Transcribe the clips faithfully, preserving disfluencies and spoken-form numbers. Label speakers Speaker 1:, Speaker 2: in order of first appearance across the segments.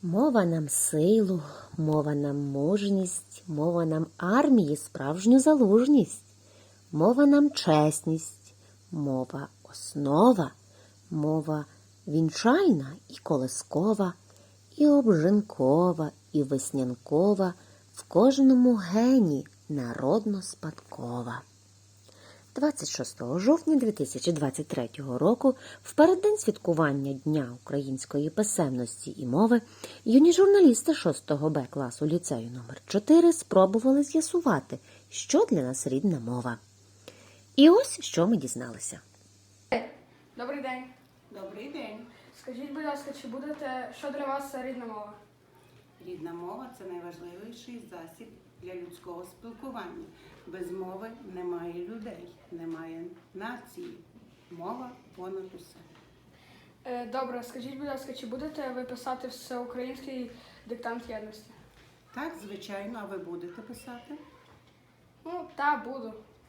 Speaker 1: Мова нам силу, мова нам мужність, мова нам армії справжню залужність, мова нам чесність, мова основа, мова вінчальна і колискова, і обжинкова, і веснянкова, в кожному гені народно-спадкова. двадцять шостого жовтня дві тисячі двадцять третього року, в переддень святкування Дня української писемності і мови, юні журналісти шостого Б класу ліцею номер чотири спробували з'ясувати, що для нас рідна мова. І ось, що ми дізналися.
Speaker 2: Добрий день.
Speaker 3: Добрий день.
Speaker 2: Скажіть, будь ласка, чи будете, що для вас рідна мова?
Speaker 3: Рідна мова – це найважливіший засіб для людського спілкування. Без мови немає людей, немає нації. Мова понад усе.
Speaker 2: Е, Добре, скажіть, будь ласка, чи будете ви писати всеукраїнський диктант єдності?
Speaker 3: Так, звичайно, а ви будете писати?
Speaker 2: Ну, та, буду.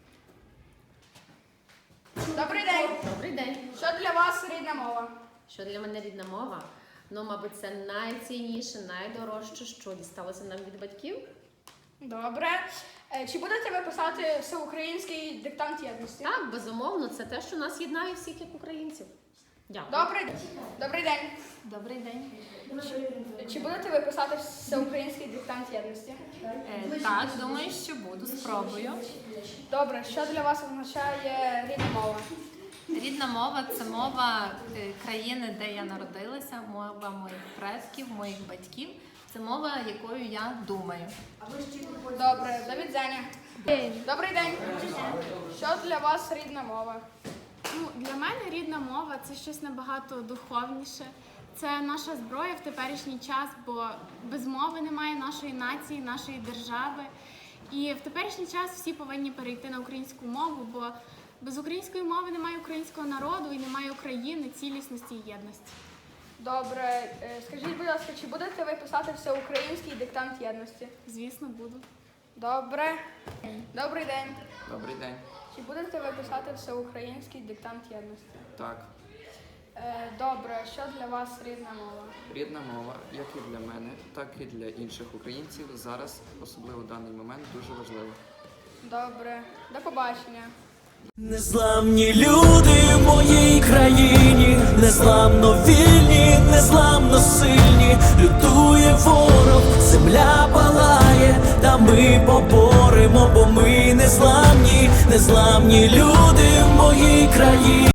Speaker 2: Добрий день.
Speaker 4: Добрий день.
Speaker 2: Що для вас рідна мова?
Speaker 4: Що для мене рідна мова? Ну, мабуть, це найцінніше, найдорожче, що дісталося нам від батьків.
Speaker 2: Добре. Е, Чи будете ви писати всеукраїнський диктант єдності?
Speaker 4: Так, безумовно, це те, що нас єднає всіх як українців. Дякую.
Speaker 2: Добрий, добрий день.
Speaker 4: Добрий день.
Speaker 2: Чи, чи будете ви писати всеукраїнський диктант єдності?
Speaker 5: Е, так, думаю, що буду, спробую.
Speaker 2: Добре, що для вас означає рідна мова?
Speaker 5: Рідна мова – це мова е, країни, де я народилася, мова моїх предків, моїх батьків. Це мова, якою я думаю.
Speaker 2: Добре, до відзення. Добрий день. Що для вас рідна мова?
Speaker 6: Ну, для мене рідна мова – це щось набагато духовніше. Це наша зброя в теперішній час, бо без мови немає нашої нації, нашої держави. І в теперішній час всі повинні перейти на українську мову, бо без української мови немає українського народу і немає України, цілісності і єдності.
Speaker 2: Добре, Е, скажіть, будь ласка, чи будете ви писати всеукраїнський диктант єдності?
Speaker 6: Звісно, буду.
Speaker 2: Добре. Добрий день.
Speaker 7: Добрий день.
Speaker 2: Чи будете ви писати всеукраїнський диктант єдності?
Speaker 7: Так,
Speaker 2: Е, Добре, що для вас рідна мова?
Speaker 7: рідна мова, як і для мене, так і для інших українців, зараз, особливо в даний момент, дуже важлива.
Speaker 2: Добре, до побачення.
Speaker 8: Незламні люди в моїй країні, незламно вільні, незламно сильні, лютує ворог, земля палає, та ми поборемо, бо ми незламні, незламні люди в моїй країні.